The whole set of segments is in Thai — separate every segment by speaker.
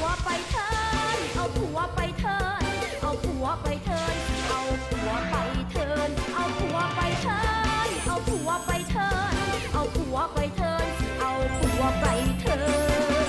Speaker 1: ไปเถินเอาผัวไปเถินเอาผัวไปเถินเอาผัวไปเถินเอาผัวไปเถินเอาผัวไปเถินเอาผัวไปเถินเอาผัวไปเถิน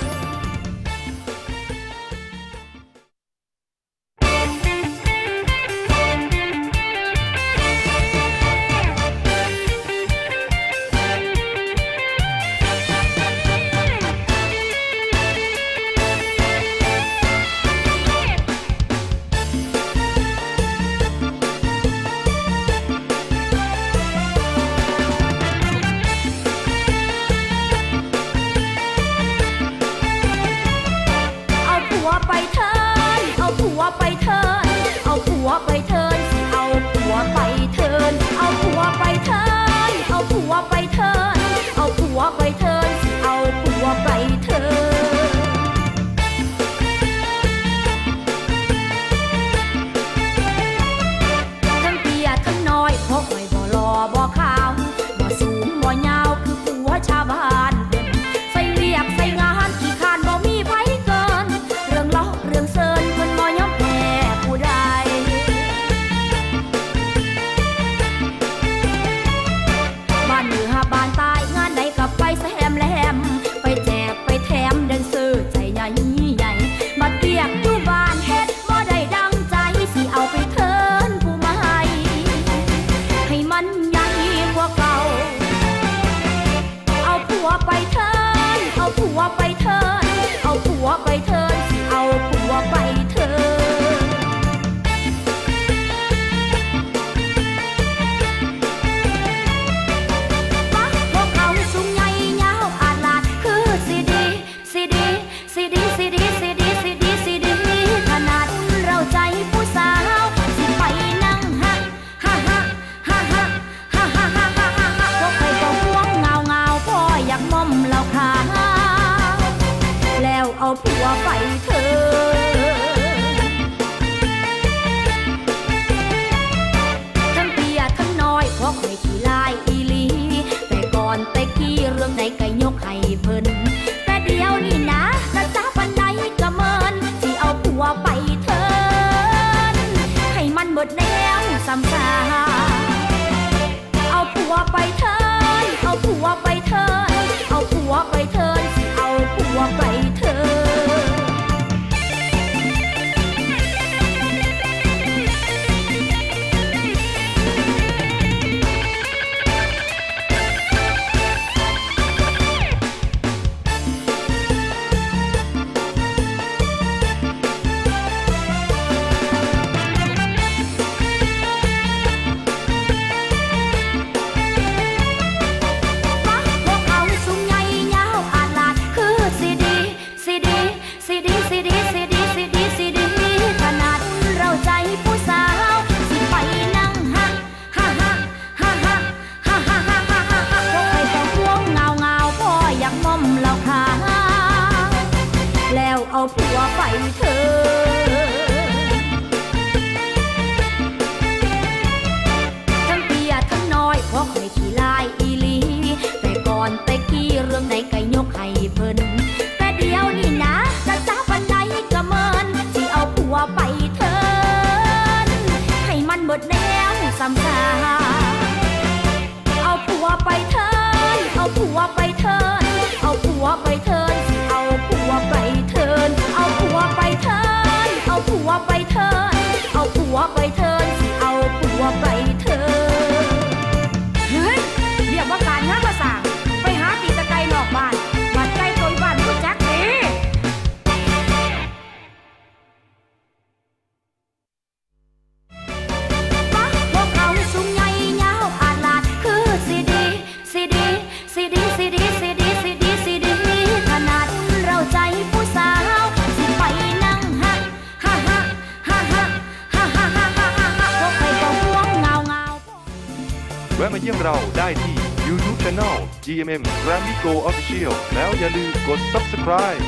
Speaker 2: แวะมาเยี่ยมเราได้ที่ YouTube Channel GMM Grammy Go Official แล้วอย่าลืมกด Subscribe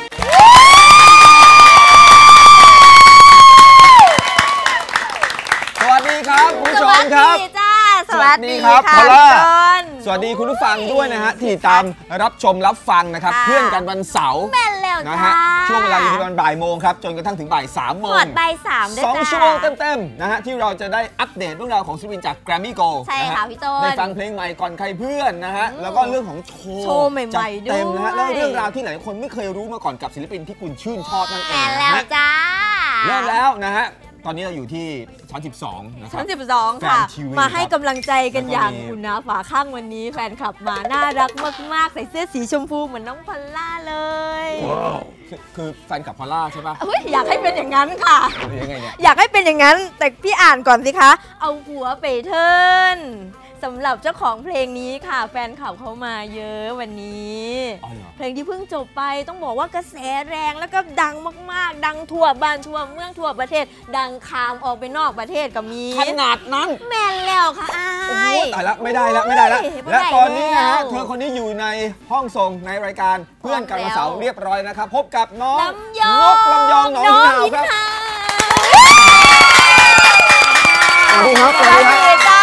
Speaker 3: สวัสดีครับคุณผู้ชมครับ
Speaker 1: สวัสดี
Speaker 3: ครับพอลล่าสวัสดีคุณผู้ฟังด้วยนะฮะที่ตามรับชมรับฟังนะครับเพื่อนกันวันเสาร์
Speaker 1: แม่นแล้วแล้ว
Speaker 3: นะ
Speaker 1: จ้า
Speaker 3: ฮะช่วงเวลาอยู่ที่ประมาณบ่ายโมงครับจนกระทั่งถึงบ่าย3 โมง
Speaker 1: หมดบ่าย3ด้วยจ้า
Speaker 3: 2 ชั่วโมงเต็มๆนะฮะที่เราจะได้อัปเดตเรื่องราวของศิลปินจาก Grammy Go
Speaker 1: ใช่ค่ะพี่ต้น
Speaker 3: ได้ฟังเพลงใหม่ก่อนใครเพื่อนนะฮะแล้วก็เรื่องของโช
Speaker 1: โชว์
Speaker 3: ว์
Speaker 1: ใหม่ๆ
Speaker 3: จัดเต็มนะฮะ
Speaker 1: ด้วย
Speaker 3: แล้วเรื่องราวที่หลายคนไม่เคยรู้มาก่อนกับศิลปินที่คุณชื่นชอบนั่นเอง
Speaker 1: แล้ว
Speaker 3: นะฮะ
Speaker 1: จ้า
Speaker 3: เริ่มแล้วนะฮะตอนนี้เราอยู่ที่ชั้น 12 นะครั
Speaker 1: ชั้
Speaker 3: บ
Speaker 1: น12 ค่ะ
Speaker 3: แฟนทีวี
Speaker 1: มาให้กำลังใจกัน
Speaker 3: แล้วก็
Speaker 1: อย่าง
Speaker 3: มี
Speaker 1: อุ่นหนาฝาข้างวันนี้แฟนคลับมาน่ารักมากๆ ใส่เสื้อสีชมพูเหมือนน้องพอลล่าเลย
Speaker 3: คือแฟนกับพอลล่าใช่ปะ
Speaker 1: เฮ้ยอยากให้เป็นอย่างนั้นค่ะ
Speaker 3: หรือยังไงเนี่ย
Speaker 1: อยากให้เป็นอย่างนั้น แต่พี่อ่านก่อนสิคะ เอาหัวไปเทิร์นสำหรับเจ้าของเพลงนี้ค่ะ แฟนคลับเขามาเยอะวันนี้
Speaker 3: อ๋อเหรอ
Speaker 1: เพลงที่เพิ่งจบไปต้องบอกว่ากระแสแรงแล้วก็ดังมากๆ ดังทั่วบ้านทั่วเมืองทั่วประเทศ ดังคามออกไปนอกประเทศก็มี
Speaker 3: ขนาดนั้น
Speaker 1: แม่นแล้วค่ะอ้า
Speaker 3: โอ้โห
Speaker 1: ย
Speaker 3: ตายละไม่ได้ละไม่ได้ละ
Speaker 1: ไม่ได้
Speaker 3: และตอนนี้นะฮะ
Speaker 1: แล้ว
Speaker 3: เธอคนนี้อยู่ในห้องส่งในรายการเพื่อนกันวันเสาร์เรียบร้อยนะครับ พบกับน้อง
Speaker 1: ลำยอง
Speaker 3: นกลำยองหนองหินหาวครับ สวัสดีครับ
Speaker 1: สวัสดีจ้า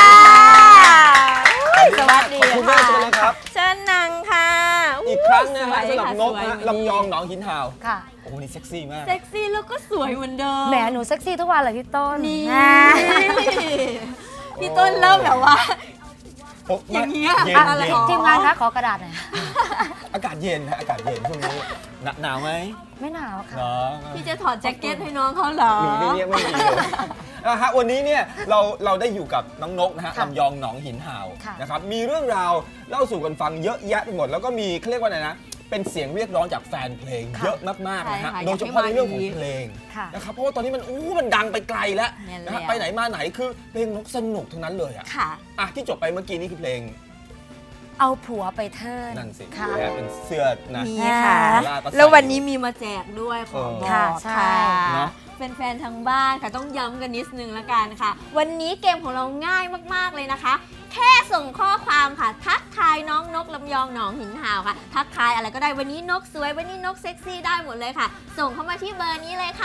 Speaker 1: สวัสดี
Speaker 3: ขอบคุณมากเลยครับ
Speaker 1: เชิญนั่งค่ะ
Speaker 3: อีกครั้งนะฮะ
Speaker 1: สวย
Speaker 3: สำหรับนก
Speaker 1: สวย
Speaker 3: นะลำยองหนองหินหาว
Speaker 4: ค่ะ
Speaker 3: โอ้โหนี่เซ็กซี่มาก
Speaker 1: เซ็กซี่แล้วก็สวยเหมือนเดิม
Speaker 4: แหมหนูเซ็กซี่ทุกวันเลยพี่ต้น
Speaker 1: นี่
Speaker 4: อ่า
Speaker 1: พี่ต้นเริ่มแบบว่า
Speaker 3: โอ้
Speaker 1: อย่างเงี้ย
Speaker 3: เย็น
Speaker 1: อะไร
Speaker 3: เย็น
Speaker 1: ของ
Speaker 4: ทีมงานคะขอกระดาษหน่อย
Speaker 3: อากาศเย็นฮะอากาศเย็นช่วงนี้หนาวไหม
Speaker 4: ไม่หนาวค่ะ
Speaker 3: เนาะ
Speaker 1: พี่จะถอดแจ็คเก็ตให้น้องเขาเหรอ
Speaker 3: หนีไม่เงียบไม่ดีเลยนะฮะวันนี้เนี่ยเราได้อยู่กับน้องนกนะฮะ
Speaker 4: ค่ะ
Speaker 3: ลำยองหนองหินห่าว
Speaker 4: ค่ะ
Speaker 3: นะครับมีเรื่องราวเล่าสู่กันฟังเยอะแยะไปหมด แล้วก็มีเขาเรียกว่าอะไรนะเป็นเสียงเรียกร้องจากแฟนเพลงเยอะมากๆนะฮะ
Speaker 1: ใช่ค่ะ
Speaker 3: โดยเฉพาะในเรื่องของเพลง
Speaker 4: ค่ะ
Speaker 3: นะครับเพราะว่าตอนนี้มันดังไปไกลแล้ว
Speaker 1: แน่น
Speaker 3: นะฮะ
Speaker 1: แล้ว
Speaker 3: ไปไหนมาไหนคือเพลงนกสนุกทั้งนั้นเลยอะ
Speaker 1: ค่ะ
Speaker 3: อ่ะที่จบไปเมื่อกี้นี่คือเพลง
Speaker 4: เอาผัวไปเทิร์น
Speaker 3: นั่นสิ
Speaker 4: ค่ะ
Speaker 3: นะฮะเป็นเสื้อนะ
Speaker 1: มีค่ะ
Speaker 3: ลาก็ใส่
Speaker 1: แล้ววันนี้มีมาแจกด้วยขอบอก
Speaker 4: ค่ะใช่
Speaker 3: เนอะ
Speaker 1: แฟนๆทางบ้านค่ะต้องย้ำกันนิดนึงละกันค่ะ วันนี้เกมของเราง่ายมากๆเลยนะคะ แค่ส่งข้อความค่ะ ทักทายน้องนกลำยองหนองหินห่าวค่ะ ทักทายอะไรก็ได้วันนี้นกสวยวันนี้นกเซ็กซี่ได้หมดเลยค่ะ ส่งเข้ามาที่เบอร์นี้เลยค่ะ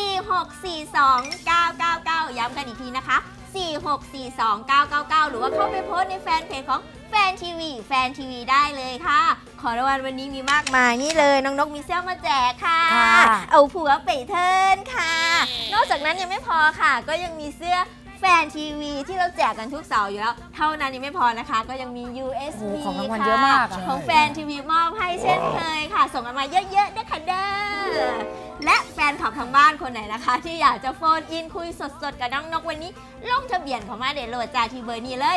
Speaker 1: 4642999 ย้ำกันอีกทีนะคะ 4642999 หรือว่าเข้าไปโพสต์ในแฟนเพจของแฟนทีวีได้เลยค่ะ ขอรางวัลวันนี้มีมากมายนี่เลยน้องนกมีเสื้อมาแจกค่ะ
Speaker 4: ค่ะ
Speaker 1: เอาผัวไปเทิร์นค่ะ นอกจากนั้นยังไม่พอค่ะ ก็ยังมีเสื้อแฟนทีวีที่เราแจกกันทุกเสาร์อยู่แล้ว เท่านั้นยังไม่พอนะคะ ก็ยังมี USB
Speaker 4: โอ้โหของรางวัล
Speaker 1: ค่ะ
Speaker 4: เยอะมากอะ
Speaker 1: ของแฟนทีวีมอบให้เช่นเคยค่ะ ส่งกันมาเยอะๆด้วยค่ะเด้อและแฟนคลับทางบ้านคนไหนนะคะ ที่อยากจะโฟนอินคุยสดๆกับน้องนกวันนี้ลงทะเบียนเข้ามาเดโหลดจ้าที่เบอร์นี้เลย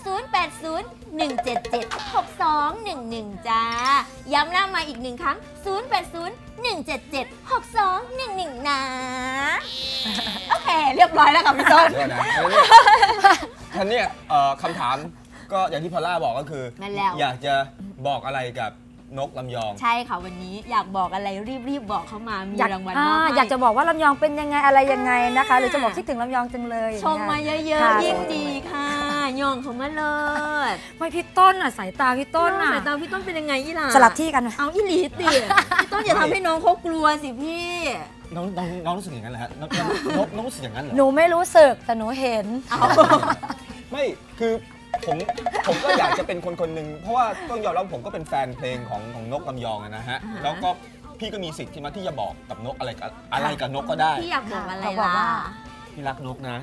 Speaker 1: 0801776211 จ้า ย้ำหน้ามาอีกหนึ่งครั้ง 0801776211 นะ โอเค เรียบร้อยแล้วค่ะพี่ต้น
Speaker 3: เดี๋ยวนะท่านเนี่ยคำถามก็อย่างที่พอลล่าบอกก็คือ
Speaker 1: นั่นแล้ว
Speaker 3: อยากจะบอกอะไรกับนกลำยอง
Speaker 1: ใช่ค่ะวันนี้อยากบอกอะไรรีบๆบอกเข้ามา มีรางวัลมอบให้
Speaker 4: อยากจะบอกว่าลำยองเป็นยังไงอะไรยังไงนะคะ หรือจะบอกคิดถึงลำยองจังเลย
Speaker 1: ชมมาเยอะ
Speaker 4: ค่ะ
Speaker 1: ๆ ยิ่งดีค่ะย่องเขามาเลย
Speaker 4: ไม่พี่ต้นอ่ะสายตาพี่ต้นอ่ะ
Speaker 1: สายตาพี่ต้นเป็นยังไงอีหล่ะ
Speaker 4: สลับที่กันนะ
Speaker 1: เอาอีหลีติพี่ต้นอย่าทำให้น้องเขากลัวสิพี่
Speaker 3: น้องรู้สึกอย่างนั้นเหรอฮะน้องรู้สึกอย่างนั้นเหรอ
Speaker 4: หนูไม่รู้สึกแต่หนูเห็น
Speaker 3: ไม่คือผมก็อยากจะเป็นคนหนึ่งเพราะว่าต้องยอมรับผมก็เป็นแฟนเพลงของนกลำยองอะนะฮะแล้วก็พี่ก็มีสิทธิ์ที่จะบอกกับนกอะไรกับนกก็ได้
Speaker 1: พี่อยากบอกอะไร
Speaker 4: เขาบอก
Speaker 1: ล่ะ
Speaker 4: ว่า
Speaker 3: พี่รักนกนะ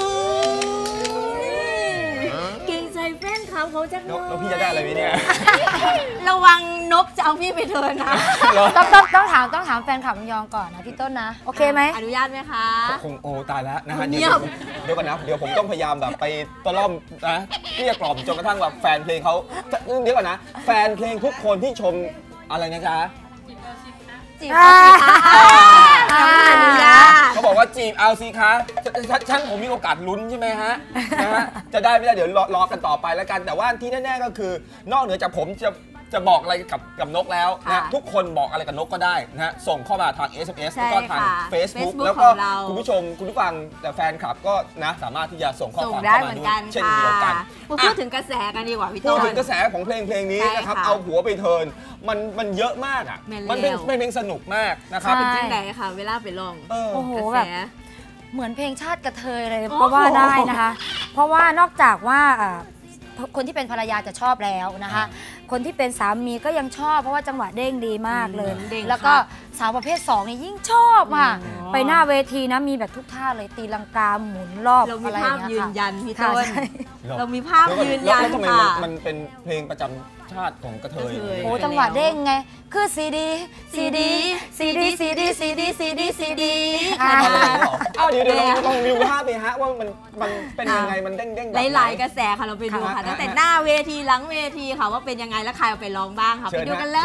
Speaker 1: เก่งใจแฟนเขาจังเล
Speaker 3: แล้ว
Speaker 1: ย
Speaker 3: พี่จะได้อะไรไหมเนี่ย
Speaker 1: ระวังนกจะเอาพี่ไปเทิร์นนะ
Speaker 4: ต้องถามแฟนคลับลำยองก่อนนะพี่ต้นนะ โอเคไหม
Speaker 1: อนุญาตไหมคะ
Speaker 3: คงโอ้ตายแล้วนะฮะ
Speaker 1: เงียบ
Speaker 3: เดี๋ยวก่อนนะเดี๋ยวผมต้องพยายามแบบไปตะล่อมนะเกลี้ยกล่อมจนกระทั่งแบบแฟนเพลงเขาเดี๋ยวก่อนนะแฟนเพลงทุกคนที่ชมอะไรนะจ๊ะ
Speaker 1: จีบเอาสิคะอนุญาต
Speaker 3: เขาบอกว่าจีบเอาสิคะฉันผมมีโอกาสลุ้นใช่ไหมฮะนะฮะจะได้ไม่ได้เดี๋ยวรอกันต่อไปแล้วกัน แต่ว่าที่แน่ๆก็คือนอกเหนือจากผมจะบอกอะไรกับนกแล้วนะทุกคนบอกอะไรกับนกก็ได้นะฮะส่งเข้ามาทาง SMS แล้วก็ทาง Facebook แล้วก็คุณผู้ชมคุณผู้ฟังแต่แฟนคลับก็นะสามารถที่จะส่งข้อ
Speaker 1: ส่ง
Speaker 3: ความ
Speaker 1: ได้
Speaker 3: เข้า
Speaker 1: เห
Speaker 3: มา
Speaker 1: มือน
Speaker 3: ด้วย
Speaker 1: กัน
Speaker 3: เช่น
Speaker 1: ค่ะ
Speaker 3: เดียวกัน
Speaker 1: มาพูดถึงกระแสกันดีกว่าพี่
Speaker 3: พู
Speaker 1: ต้
Speaker 3: ด
Speaker 1: น
Speaker 3: ถึงกระแสของเพลงนี้นะครับ
Speaker 1: ใช่ค่ะ
Speaker 3: เอาหัวไปเทิร์นมันเยอะมากอ่ะ
Speaker 1: แม่น
Speaker 3: มันเป็น
Speaker 1: แล้ว
Speaker 3: เพลงสนุกมากนะครับ
Speaker 4: ใช่
Speaker 1: จริงไหนค่ะ เวลาไปลอง
Speaker 3: เออ
Speaker 4: โอ้โห
Speaker 1: กระ
Speaker 4: แบ
Speaker 1: แส
Speaker 4: บเหมือนเพลงชาติกระเทยเลย
Speaker 1: โอ้โห
Speaker 4: ก็ว่าได้นะคะ เพราะว่านอกจากว่าพคนที่เป็นภรรยาจะชอบแล้วนะคะ คนที่เป็นสามีก็ยังชอบเพราะว่าจังหวะเด้งดีมากเลย แล้วก็สาวประเภท2นี่ยิ่งชอบค่ะไปหน้าเวทีนะมีแบบทุกท่าเลยตีลังกาหมุนรอบ
Speaker 5: เรามี
Speaker 4: อะไรอ
Speaker 5: ภา
Speaker 4: ย่า
Speaker 5: พ
Speaker 4: งเงี้
Speaker 5: ยื
Speaker 4: ย
Speaker 5: น
Speaker 4: ค่ะ
Speaker 5: ยันพี่ต้น
Speaker 4: ใช่
Speaker 5: เรามีภาพยืนยัน
Speaker 3: แล้วทำไม
Speaker 5: ค่ะ
Speaker 3: มันเป็นเพลงประจำชาติของกระเทย
Speaker 4: โอ้จังหวะเด้งไงคือซีดีซีดีซีดีซีดีซีดีซีดีซีดี
Speaker 3: อะไรอย่างเงี้ยเหรออ้าวเดี๋ยวลองดูภาพไปฮะว่ามันเป็นยังไงมันเด้งแบบ
Speaker 5: หลายๆกระแสค่ะเราไปดูค่ะตั้งแต่หน้าเวทีหลังเวทีค่ะว่าเป็นยังไงแล้วใครเอาไปร้องบ้างค่ะไปดูกันเลย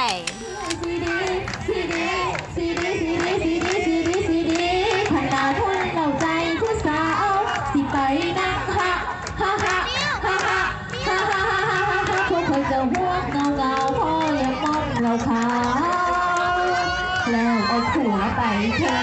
Speaker 1: พันดาวทุ่นเหล่าใจผู้สาวสิไปนั่งฮะฮะฮะฮะฮะฮะฮะฮะพวกคนจะห่วงเงาพ่อยังมองเราขาวแล้วเอาผัวไปเธอ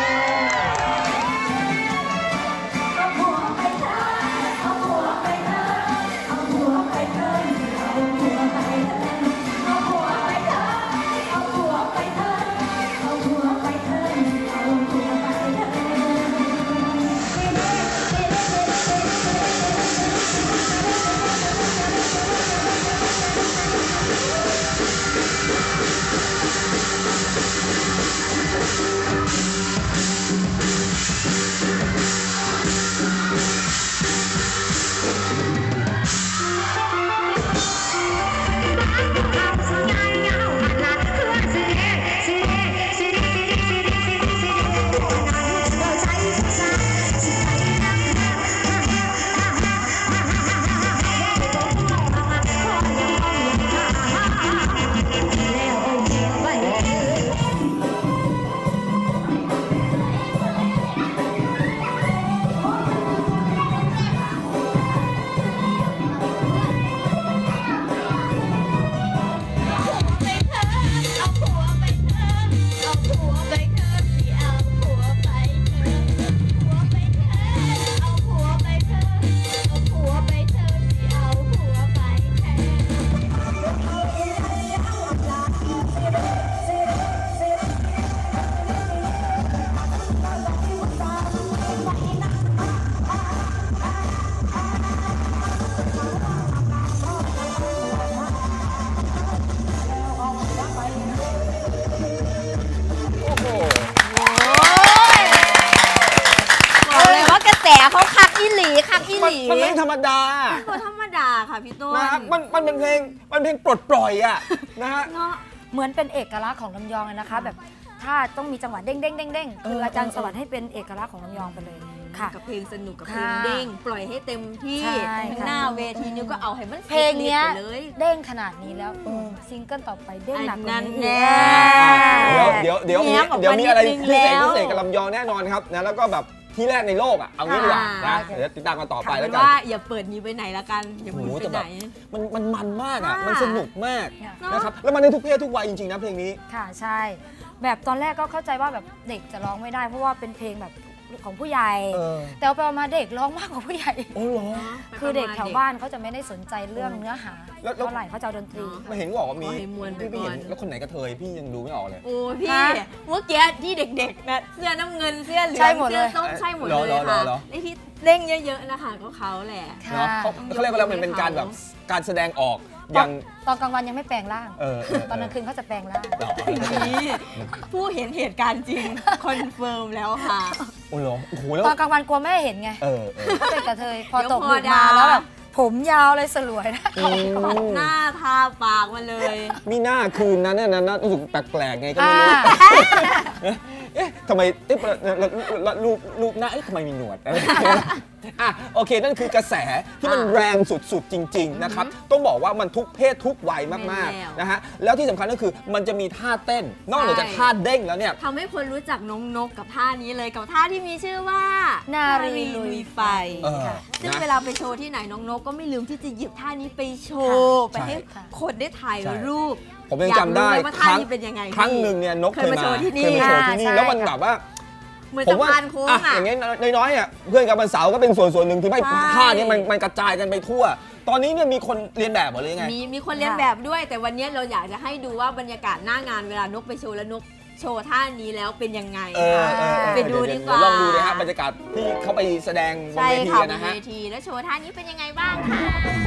Speaker 5: เขาคักอีหลีคักอีหลี
Speaker 3: มันไม่ธรรมดา
Speaker 5: ตัวธรรมดาค่ะพี่ต้น
Speaker 3: นะฮะมันเป็นเพลงปลดปล่อยอ่ะนะฮะ
Speaker 4: เหมือนเป็นเอกลักษณ์ของลำยองเลยนะคะ แบบถ้าต้องมีจังหวะเด้งเด้งเด้งเด้งคืออาจารย์สวัสดิ์ให้เป็นเอกลักษณ์ของลำยองไปเลยค่ะ
Speaker 5: กับเพลงสนุกกับเพลงเด้งปล่อยให้เต็มที่
Speaker 4: ใช่ค่ะ
Speaker 5: หน้าเวทีนิ้วก็เอาให้มัน
Speaker 4: เพลงเนี้ย
Speaker 5: ไปเลย
Speaker 4: เด้งขนาดนี้แล้วซิงเกิลต่อไปเด้งหนักกว่า
Speaker 5: นั่น
Speaker 4: นี้
Speaker 5: แน่
Speaker 3: เดี๋ยวมีอะไรพิเศษกับลำยองแน่นอนครับนะแล้วก็แบบที่แรกในโลกอ่ะเอางี้ดีกว่านะเดี๋ยวติดตามกันต่อไปแล้วกัน
Speaker 5: ว่าอย่าเปิดนี้ไปไหนละกันอย่าเปิดไปไหน
Speaker 3: มันมากอ่ะ
Speaker 5: ค่ะ
Speaker 3: มันสนุกมาก
Speaker 5: เนอะ
Speaker 3: นะครับแล้วมันในทุกเพศทุกวัยจริงๆนะเพลงนี้
Speaker 4: ค่ะใช่ แบบตอนแรกก็เข้าใจว่าแบบเด็กจะร้องไม่ได้เพราะว่าเป็นเพลงแบบของผู้ใหญ่ แต่ไปมาเด็กร้องมากกว่าผู้ใหญ่
Speaker 3: โอ้เหรอ
Speaker 4: คือเด็กแถวบ้านเขาจะไม่ได้สนใจเรื่องเนื้อหาเท่าไหร่เขาจะเอาดนตรี
Speaker 3: ไม่เห็นบอกว่ามี
Speaker 5: ขอให้มวลไป
Speaker 3: พี่
Speaker 5: ก่
Speaker 3: เห็
Speaker 5: อน
Speaker 3: นแล้วคนไหนกระเทยพี่ยังดูไม่ออกเลย
Speaker 5: โอ้พี่
Speaker 4: ฮะ
Speaker 5: เมื่อกี้ที่เด็กๆนะเสื้อน้ำเงินเสื้อเหลือ
Speaker 4: ใช่
Speaker 5: ง
Speaker 4: หมดเลย
Speaker 5: เสื้อส้มใช่หมดเลย
Speaker 3: เหรอ
Speaker 5: ค่ะ
Speaker 3: เหรอ
Speaker 5: ไอ้ที่เด้งเยอะๆนะคะก็เขาแหละ
Speaker 4: ค่ะ
Speaker 3: เนาะเขาเรียกว่าอะไรมันเป็นการแบบการแสดงออกอย่าง
Speaker 4: ตอนกลางวันยังไม่แปลงร่าง ตอนกลาง
Speaker 3: คื
Speaker 4: คืนเขาจะแปลงร่าง
Speaker 5: นี่ผู้เห็นเหตุการณ์จริงคอนเฟิร์มแล้วค่ะ
Speaker 3: โอ้โหโอ้โหแล้ว
Speaker 4: ตอนกลางวันกลัวแม่เห็นไง
Speaker 3: เออ
Speaker 4: เขาเป็นกระเทยพอ
Speaker 5: เดี๋ยว
Speaker 4: ตก
Speaker 5: พอ
Speaker 4: ดึกมา
Speaker 5: ดาว
Speaker 4: แล้วแบบผมยาวเลยสลวยนะ
Speaker 5: ปัดหน้าทาปากมาเลย
Speaker 3: มีหน้าคืนนั้นเนี่ยนะรู้สึกแปลกๆไงก็ไม่รู้ เอ๊ะทำไมรูปหน้าเอ๊ะทำไมมีหนวดอ่ะโอเคนั่นคือกระแสที่มันแรงสุดๆจริงๆนะครับต้องบอกว่ามันทุกเพศทุกวัยมากๆนะฮะแล้วที่สำคัญก็คือมันจะมีท่าเต้นนอกเหนือจากท่าเด้งแล้วเนี่ย
Speaker 5: ทำให้คนรู้จักน้องนกกับท่านี้เลยกับท่าที่มีชื่อว่า
Speaker 4: นารีลุยไฟ
Speaker 5: ค่ะ ซึ่ง
Speaker 3: นะ
Speaker 5: เวลาไปโชว์ที่ไหนน้องนกก็ไม่ลืมที่จะหยิบท่านี้ไปโชว์ไปให้
Speaker 4: ค่ะ
Speaker 5: คนได้ถ่ายรูป
Speaker 3: ผมยังจำได้
Speaker 5: อยากรู้เลยว่าท่านี้เป็นยังไง
Speaker 3: ครั้งหนึ่งเนี่ยนก
Speaker 5: เคยมาโชว์ที่นี่
Speaker 3: เคยมาโชว์ที่นี่
Speaker 4: ใช่
Speaker 3: แล้วมันแบบว่า
Speaker 5: เหมือน
Speaker 3: ผ
Speaker 5: สะ
Speaker 3: มว่า
Speaker 5: พานโค้ง
Speaker 3: อ่ะ
Speaker 5: อ่ะ
Speaker 3: อย่างเงี้ยน้อยๆอ่ะเพื่อนกับวันเสาร์ก็เป็นส่วนหนึ่งที่ให้
Speaker 5: ใช่
Speaker 3: ท่านี้มันกระจายกันไปทั่ว ตอนนี้เนี่ยมีคนเรียนแบบหมดเลยไง
Speaker 5: มีคนเรียนแบบด้วย แต่วันนี้เราอยากจะให้ดูว่าบรรยากาศหน้างานเวลานกไปโชว์แล้วนกโชว์ท่านี้แล้วเป็นยังไง
Speaker 3: ไปดูดีกว่าลองดูเลยฮะบรรยากาศที่เขาไปแสดงบนเวทีนะฮะ
Speaker 5: เวทีแล้วโชว์ท่านี้เป็นยังไงบ้างคะ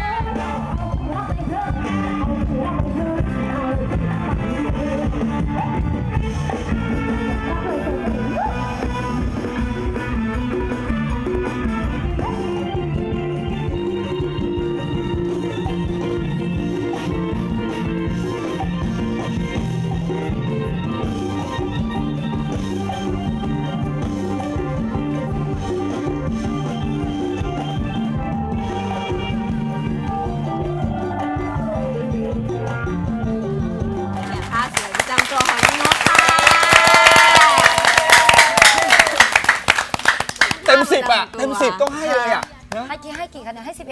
Speaker 3: เต็ม 10ต้องให้เลยอ่ะ
Speaker 4: ให้กี่คะแนนให้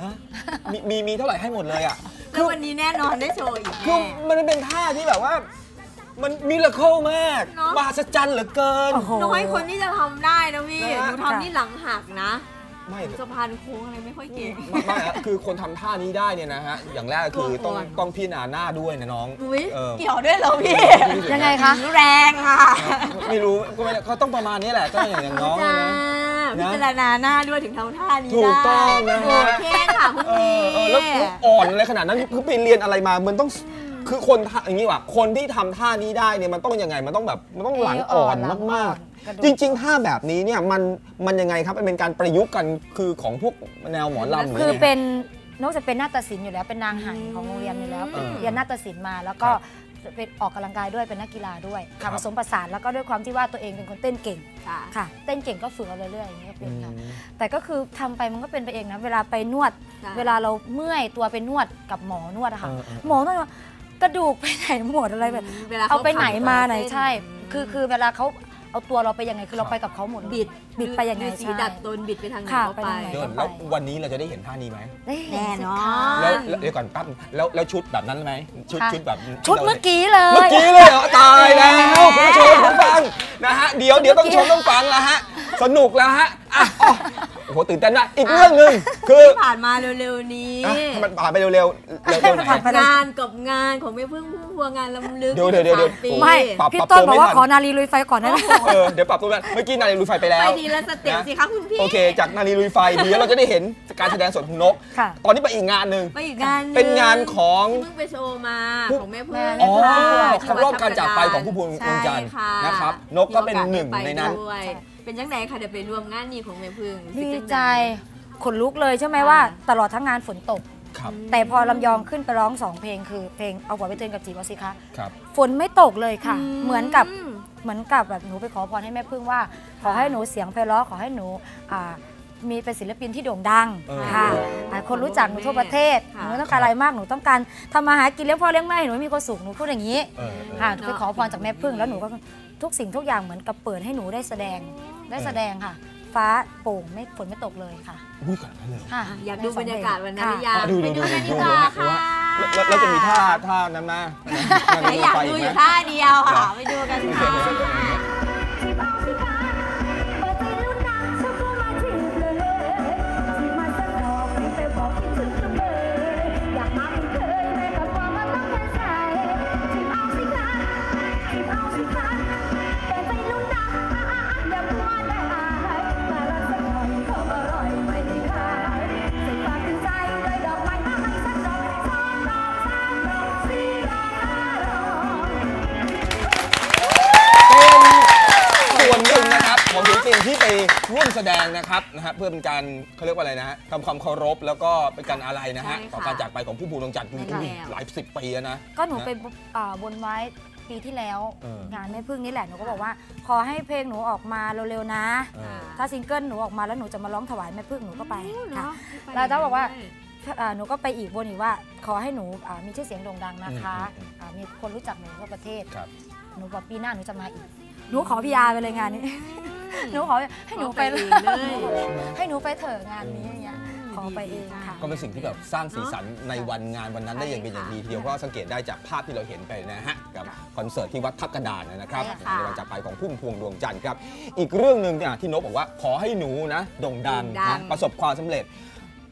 Speaker 4: 11
Speaker 3: มีเท่าไหร่ให้หมดเลยอ่ะ
Speaker 5: คือวันนี้แน่นอนได้โชว์อีก
Speaker 3: คือมันเป็นท่าที่แบบว่ามันมิราเคิลมากมหัศจรรย์เหลือเกิน
Speaker 5: น้อยคนที่จะทำได้นะพี่หนูทำนี่หลังหักนะ
Speaker 3: ไม่
Speaker 5: สะพานโค้งอะไรไม่ค่อยเก่ง
Speaker 3: ไม่คือคนทำท่านี้ได้เนี่ยนะฮะอย่างแรกคือต้องพิจารณาหน้าด้วยนะน้อง
Speaker 5: เกี่ยวด้วยเหรอพี่
Speaker 4: ยังไงคะ
Speaker 5: แรงค่ะ
Speaker 3: ไม่รู้ก็ไม่เขาต้องประมาณนี้แหละก็อย่างน้อง
Speaker 5: พิจารณาหน้าด้วยถึงทำท่านี้ได้
Speaker 3: ถูกต้องนะ
Speaker 5: โอเคค่ะคุณพี่
Speaker 3: แล้วอ่อนอะไรขนาดนั้นคือไปเรียนอะไรมามันต้องคือคนอย่างนี้ว่ะคนที่ทำท่านี้ได้เนี่ยมันต้องยังไงมันต้องแบบมันต้องหลังอ่อนมากๆจริงๆท่าแบบนี้เนี่ยมันยังไงครับมันเป็นการประยุกต์กันคือของพวกแนวหมอลำ
Speaker 4: คือเป็นนอกจากเป็นนาฏศิลป์อยู่แล้วเป็นนางไหของโรงเรียนอยู่แล้วเรียนนาฏศิลป์มาแล้วก็เป็นออกกำลังกายด้วยเป็นนักกีฬาด้วยผสมผสานแล้วก็ด้วยความที่ว่าตัวเองเป็นคนเต้นเก่งค่ะเต้นเก่งก็ฝึกเอาเรื่อยๆอย่างเงี้ยเป็นค่ะแต่ก็คือทำไปมันก็เป็นไปเองนะเวลาไปนวดเวลาเราเมื่อยตัวไปนวดกับหมอนวดอะค่ะหมอนวดกระดูกไปไหนหมดอะไรแบบเอาไปไหนมาไหนใช่คือเวลาเขาเอาตัวเราไปยังไงคือเราไปกับเขาหมดบิดไปยังไง
Speaker 5: สีดัดตนบิดไปทางไหนก็ไป
Speaker 3: แล้ววันนี้เราจะได้เห็นท่านี้ไหม
Speaker 5: แน่นอน
Speaker 3: แล้วเดี๋ยวก่อนปั๊บแล้วชุดแบบนั้นไหมชุดแบบ
Speaker 4: ชุดเมื่อกี้เลย
Speaker 3: เหรอตายแล้วคุณผู้ชมคุณฟังนะฮะเดี๋ยวต้องชมต้องฟังแล้วฮะสนุกแล้วฮะโอ้โหตื่นเต้นนะอีกเรื่องนึงคือ
Speaker 5: ผ่านมาเร็วๆนี้
Speaker 3: มันผ่านไปเร็ว
Speaker 5: ๆงานกับงานของแม่พึ่งพุ่มพวงงานลำลึก
Speaker 3: เดี๋ยว
Speaker 4: ไม่พี่ต้นบอกว่าขอนาลีลุยไฟก่อนนะ
Speaker 3: เดี๋ยวปรับตัวเมื่อกี้นาลีลุยไฟไปแล้ว
Speaker 5: ไปดีแล้วสเต็ปสิคะคุณพี่
Speaker 3: โอเคจากนาลีลุยไฟเดี๋ยวเราจะได้เห็นการแสดงสดของนกตอนนี้ไปอีกงานหนึ่งเป็นงานของ
Speaker 5: เพิ่งไปโชว์มาของแม่พึ่ง
Speaker 3: ครบรอบการจากไปของผู้พวงดวงจันทร์นะครับนกก็เป็นหนึ่งในนั้น
Speaker 5: เป็นยังไงคะเดี๋ยวไปร่วมงานนี้ของแม่พึ่ง
Speaker 4: ดีใจขนลุกเลยใช่ไหมว่าตลอดทั้งงานฝนตกแต่พอลำยองขึ้นไปร้อง2เพลงคือเพลงเอาหัวไปเตือนกับจีบเอาสิคะฝนไม่ตกเลยค่ะเหมือนกับแบบหนูไปขอพรให้แม่พึ่งว่าขอให้หนูเสียงไพเราะขอให้หนูมีเป็นศิลปินที่โด่งดังค่ะคนรู้จักหนูทั่วประเทศหนูไม่ต้องการอะไรมากหนูต้องการทำมาหากินเลี้ยงพ่อเลี้ยงแม่หนูมีความสุขหนูพูดอย่างนี้ค่ะไปขอพรจากแม่พึ่งแล้วหนูก็ทุกสิ่งทุกอย่างเหมือนกับเปิดให้หนูได้แสดงค่ะฟ้าโปร่งไม่ฝนไม่ตกเลยค่ะ
Speaker 5: อยากดูบรรยากาศวันนั้นหรือยังไปดูกันดีกว่าค่ะ
Speaker 3: แล้วจะมีท่านั้นมา
Speaker 5: อยากดูอยู่ท่าเดียวค่ะไปดูกันค่ะ
Speaker 3: ที่ไปร่วมแสดงนะครับเพื่อเป็นการเขาเรียกว่าอะไรนะฮะทำความเคารพแล้วก็เป็นการอะไรนะฮะต่อการจากไปของผู้พวงดวงจันทร์หลาย10 ปีนะ
Speaker 4: ก็หนูไปบนไว้ปีที่แล้วงานแม่พึ่งนี่แหละหนูก็บอกว่าขอให้เพลงหนูออกมาเร็วๆนะถ้าซิงเกิลหนูออกมาแล้วหนูจะมาร้องถวายแม่พึ่งหนูก็ไปค่ะแล้วถ้าบอกว่าหนูก็ไปอีกบนอีกว่าขอให้หนูมีชื่อเสียงโด่งดังนะคะมีคนรู้จักหนูทั่วประเทศหนูบอกปีหน้าหนูจะมาอีกหนูขอพีอาร์ไปเลยงานนี้หนูขอให้หนูไปเลยให้หนูไปเถอะงานนี้อย่างเงี้ยขอไปเองค่ะ
Speaker 3: ก็เป็นสิ่งที่แบบสร้างสีสันในวันงานวันนั้นได้อย่างเป็นอย่างดีทีเดียวเพราะสังเกตได้จากภาพที่เราเห็นไปนะฮะกับคอนเสิร์ตที่วัดทับกระดานนะครับในวันจากไปของพุ่มพวงดวงจันทร์ครับอีกเรื่องหนึ่งที่นกบอกว่าขอให้หนูนะโด่งดังประสบความสำเร็จ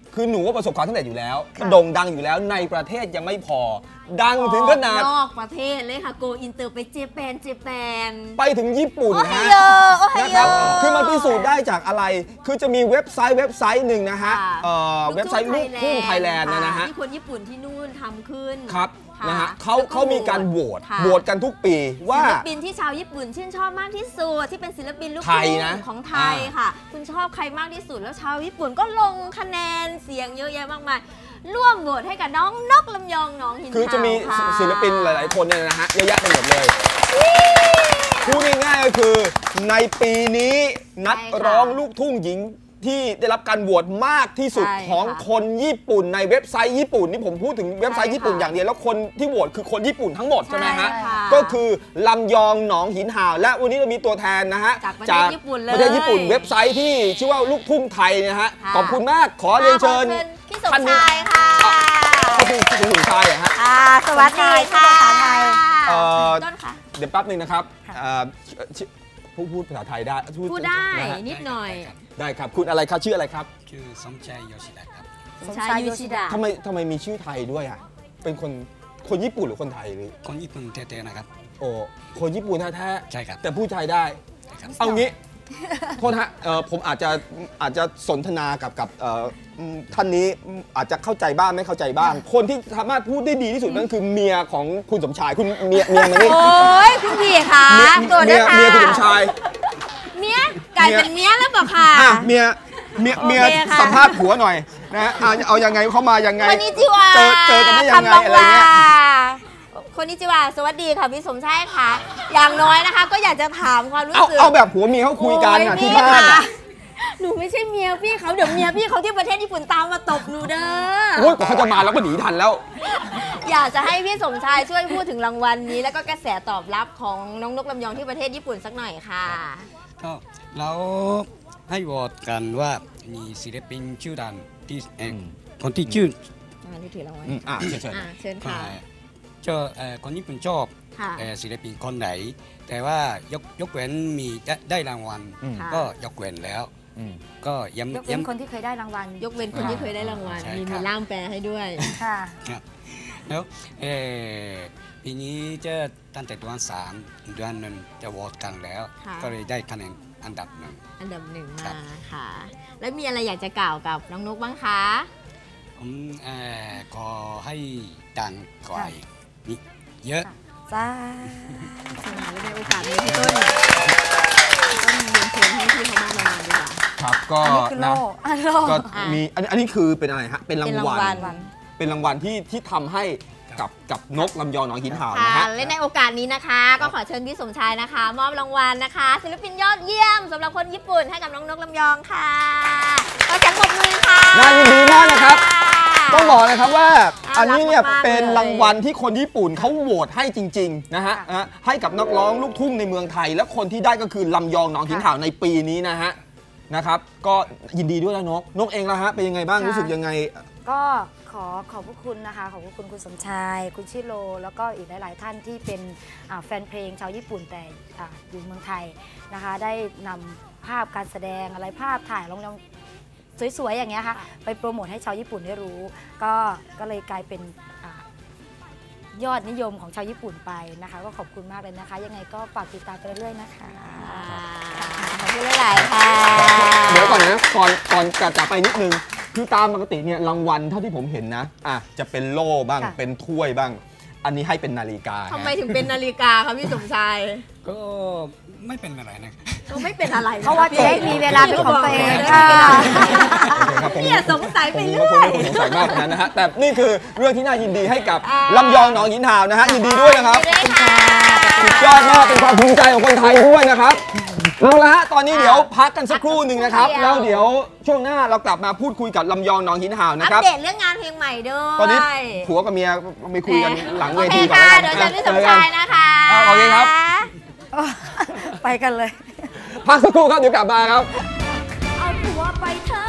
Speaker 3: คือหนูว่าประสบความสำเร็จอยู่แล้วโด่งดังอยู่แล้วในประเทศยังไม่พอ ดังถึงขนาด
Speaker 5: นอกประเทศเลยค่ะโกอินเตอร์ไปเจแปน
Speaker 3: ไปถึงญี่ปุ่น
Speaker 5: โอ้ไฮ
Speaker 3: ฮะ
Speaker 5: โยโอ้ไฮ
Speaker 3: นะ
Speaker 5: โย
Speaker 3: ครับคือมันพิสูจน์ได้จากอะไร คือจะมีเว็บไซต์หนึ่งนะฮะ
Speaker 5: ค่ะ
Speaker 3: เว็บไซต์ลูกทุ่งไทยแลนด์นะฮะ
Speaker 5: ที่คนญี่ปุ่นที่นู่นทำขึ้น
Speaker 3: ครับ
Speaker 5: ค่ะ
Speaker 3: นะฮะ
Speaker 5: แล้วก็
Speaker 3: เขามีการโหวต
Speaker 5: ค่ะ
Speaker 3: โหวตกันทุกปีว่า
Speaker 5: ศิลปินที่ชาวญี่ปุ่นชื่นชอบมากที่สุดที่เป็นศิลปินลูก
Speaker 3: ไทย
Speaker 5: ทุ่ง
Speaker 3: นะ
Speaker 5: ของไทยค่ะ คุณชอบใครมากที่สุดแล้วชาวญี่ปุ่นก็ลงคะแนนเสียงเยอะแยะมากมายร่วมโหวตให้กับน้องนกลำยองน้องหิน
Speaker 3: คือจะมี
Speaker 5: ขาวค่ะ
Speaker 3: ศิลปินหลาย ๆ คนเนี่ยนะฮะเยอะแยะไปหมดเลยพูดง่ายๆก็คือในปีนี้นักร้องลูกทุ่งหญิงที่ได้รับการโหวตมากที่สุด
Speaker 5: ใช่
Speaker 3: ของ
Speaker 5: ค่ะ
Speaker 3: คนญี่ปุ่นในเว็บไซต์ญี่ปุ่นนี่ผมพูดถึงเว็บไซต์ญี่ปุ่น
Speaker 5: ใช่ค่ะ
Speaker 3: อย่างเดียวแล้วคนที่โหวตคือคนญี่ปุ่นทั้งหมดใช่ไหมฮะ
Speaker 5: ใช่ค่ะ
Speaker 3: ก็คือลำยองหนองหินห่าวและวันนี้เรามีตัวแทนนะฮะ
Speaker 5: จากประเทศญี่ปุ่นเลย
Speaker 3: ประเทศญี่ปุ่นเว็บไซต์ที่ชื่อว่าลูกทุ่งไทยนะฮะ
Speaker 5: ค่ะ
Speaker 3: ขอบคุณมากขอเรียนเชิญ
Speaker 5: พี่สมชายค่ะ
Speaker 3: ก็คือคุณสมชายเหรอฮะ
Speaker 5: สวัสดีค่ะ
Speaker 3: เอ่อ
Speaker 5: ต้นค่ะ
Speaker 3: เดี๋ยวแป๊บหนึ่งนะครับพูดภาษาไทยได้
Speaker 5: พูดได้
Speaker 3: นะฮะ
Speaker 5: นิดหน่อย
Speaker 3: ได้ครับคุณอะไรครับชื่ออะไรครับ
Speaker 6: ชื่อสมชายโยชิดะครับ
Speaker 5: สมชายยูชิดะ
Speaker 3: ทำไมมีชื่อไทยด้วยอ่ะเป็นคนญี่ปุ่นหรือคนไทยหรือ
Speaker 6: คนญี่ปุ่นแท้ๆนะครับ
Speaker 3: โอ้คนญี่ปุ่นแท้
Speaker 6: ใช่ครับ
Speaker 3: ๆแต่พูดไทยได้
Speaker 6: ใช่ครับ
Speaker 3: เอางี้โทษฮะผมอาจจะสนทนากับท่านนี้อาจจะเข้าใจบ้างไม่เข้าใจบ้าง คนที่สามารถพูดได้ดีที่สุดนั่นคือเมียของคุณสมชายคุณเมียมานี่
Speaker 5: โอ้ยคุณพี่ค่ะ
Speaker 3: เมีย
Speaker 5: ตัวด้วยค่ะ
Speaker 3: เมียคุณสมชาย
Speaker 5: เมียกลายเป็นเมียแล้วเปล่าค่ะ
Speaker 3: อ่ะเมีย
Speaker 5: โอเคค่ะ
Speaker 3: สัมภาษณ์ผัวหน่อยนะฮะเอายังไงเขามายังไง
Speaker 5: คนนี้จิวา
Speaker 3: เจอกันได้ยังไงอะไรเงี้ย
Speaker 5: คนนี้จิวาสวัสดีค่ะพี่สมชายค่ะ อย่างน้อยนะคะ ก็อยากจะถามความรู้สึก
Speaker 3: เอาแบบผัวเมียเขาคุยกันอ่ะที่บ้านอ่ะ
Speaker 5: หนูไม่ใช่เมียพี่เขาเดี๋ยวเมียพี่เขาที่ประเทศญี่ปุ่นตามมาตบหนูเด้อ
Speaker 3: โอ้ยกว่าเขาจะมาแล้วก็หนีทันแล้ว
Speaker 5: อยากจะให้พี่สมชายช่วยพูดถึงรางวัลนี้ แล้วก็กระแสตอบรับของน้องนกลำยองที่ประเทศญี่ปุ่นสักหน่อยค่ะ
Speaker 6: ก็เราให้โหวตกันว่ามีศิลปินชื่อดังที่คนที่ชื่อ
Speaker 5: ที่ถือรางวัล
Speaker 3: เชิญ
Speaker 5: เชิญค่ะ
Speaker 6: คนญี่ปุ่นชอบ
Speaker 5: ค่ะ
Speaker 6: ศิลปินคนไหน แต่ว่ายกเว้นมีได้รางวัล
Speaker 5: ค่ะ
Speaker 6: ก็ยกเว้นแล้ว ก็ย้
Speaker 4: ยกเว้นคนที่เคยได้รางวัล
Speaker 5: ยกเว้นคนที่เคยได้รางวัล
Speaker 6: ใช่
Speaker 5: มี
Speaker 6: ครับ
Speaker 5: ล่ามแปลให้ด้วย
Speaker 4: ค่ะ
Speaker 6: ครับแล้วปีนี้จะตั้งแต่เดือนเดือนหนึ่งจะโหวตกันแล้ว
Speaker 5: ค่ะ
Speaker 6: ก็เลยได้คะแนนอันดับหนึ่ง
Speaker 5: อันดับหนึ่ง
Speaker 6: ครั
Speaker 5: มา
Speaker 6: บ
Speaker 5: ค่ะ แล้วมีอะไรอยากจะกล่าวกับน้องนกบ้างคะ
Speaker 6: ผมขอให้ดังกว่าอีกนิดเยอะ
Speaker 4: จ้า
Speaker 5: ในโอกาสนี้พี่ต้นเรียนเชิญให้พี่เขามอบรางวัลดีกว่า
Speaker 3: ครับก็
Speaker 4: อันนี้คือโล่
Speaker 3: นะ
Speaker 4: อันโล่
Speaker 3: ก็มีอันนี้คือเป็นอะไรฮะเป็นรางวัล
Speaker 5: เป็นรางวัล
Speaker 3: เป็นรางวัลที่ทำให้กับนกลำยองหนองหินห่าว
Speaker 5: ค่ะ
Speaker 3: นะฮะ
Speaker 5: และในโอกาสนี้นะคะ ก็ขอเชิญพี่สมชายนะคะ มอบรางวัลนะคะ ศิลปินยอดเยี่ยมสำหรับคนญี่ปุ่นให้กับน้องนกลำยองค่ะก็จังปรบมือค่ะ
Speaker 3: น่ายินดีมากนะครับ ต้องบอกนะครับว่า
Speaker 5: น่ารัก
Speaker 3: อันนี้เนี่ย
Speaker 5: มากๆ
Speaker 3: เป็น
Speaker 5: เลย
Speaker 3: รางวัลที่คนญี่ปุ่นเขาโหวตให้จริงๆนะฮะให้กับนักร้องลูกทุ่งในเมืองไทย และคนที่ได้ก็คือลำยองหนองหินห่าวในปีนี้นะฮะนะครับก็ยินดีด้วยนะนกเองละฮะเป็นยังไงบ้าง
Speaker 4: ค่ะ
Speaker 3: รู้สึกยังไง
Speaker 4: ก็ขอบพระคุณนะคะ ขอบพระคุณคุณสมชาย คุณชิโร แล้วก็อีกหลาย ๆ ท่านที่เป็นแฟนเพลงชาวญี่ปุ่นแต่อยู่เมืองไทยนะคะ ได้นำภาพการแสดงอะไรภาพถ่ายลองสวย ๆ อย่างเงี้ยค่ะ ไปโปรโมทให้ชาวญี่ปุ่นได้รู้ ก็เลยกลายเป็นยอดนิยมของชาวญี่ปุ่นไปนะคะ ก็ขอบคุณมากเลยนะคะ ยังไงก็ฝากติดตามไปเรื่อยๆนะคะ
Speaker 5: ขอบคุณหลายๆค่ะ
Speaker 3: เดี๋ยวก่อนนะก่อนจะไปนิดนึง คือตามปกติเนี่ยรางวัลเท่าที่ผมเห็นนะจะเป็นโล่บ้าง
Speaker 4: ค่ะ
Speaker 3: เป็นถ้วยบ้าง อันนี้ให้เป็นนาฬิกา
Speaker 5: ทำไมถึงเป็นนาฬิกาคะพี่สมชาย
Speaker 6: ก็ไม่เป็นอะไรนะ
Speaker 5: ก็ไม่เป็นอะไรน
Speaker 4: เพราะว่าจะได้มีเวลาเป็นของตัวเอง
Speaker 5: ค่ะ
Speaker 3: ครับผม
Speaker 5: เนี่ยสงสัยไป
Speaker 3: ผม
Speaker 5: เรื่
Speaker 3: ก็
Speaker 5: อย
Speaker 3: คงไม่สงสัยมากขนาดนั้นนะฮะแต่นี่คือเรื่องที่น่ายินดีให้กับ
Speaker 5: อ่า
Speaker 3: ลำยองหนองหินห่าวนะฮะยินดีด้วยนะครับ
Speaker 5: ยินดีด้วยค่ะ
Speaker 3: สุดยอดมากเป็นความภูมิใจของคนไทยด้วยนะครับเอาละฮะตอนนี้เดี๋ยวพักกันสักครู่หนึ่งนะครับ แล้วเดี๋ยวช่วงหน้าเรากลับมาพูดคุยกับลำยองหนองหินห่าวนะ
Speaker 5: อัป
Speaker 3: ครับ
Speaker 5: เดตเรื่องงานเพลงใหม่ด้วย
Speaker 3: ตอนนี้ผัวกับเมียไปคุยกันหลังเว
Speaker 5: โอเค
Speaker 3: ทีก่อน
Speaker 5: ค่ะ
Speaker 3: แล้ว
Speaker 5: เดี๋ยว
Speaker 3: กั
Speaker 5: เชิญพี่สมชายนะคะ
Speaker 3: โอเคครับ
Speaker 4: ไปกันเลย
Speaker 3: พักสักครู่ครับเดี๋ยวกลับมาครับ
Speaker 1: เอาผัวไปเถิ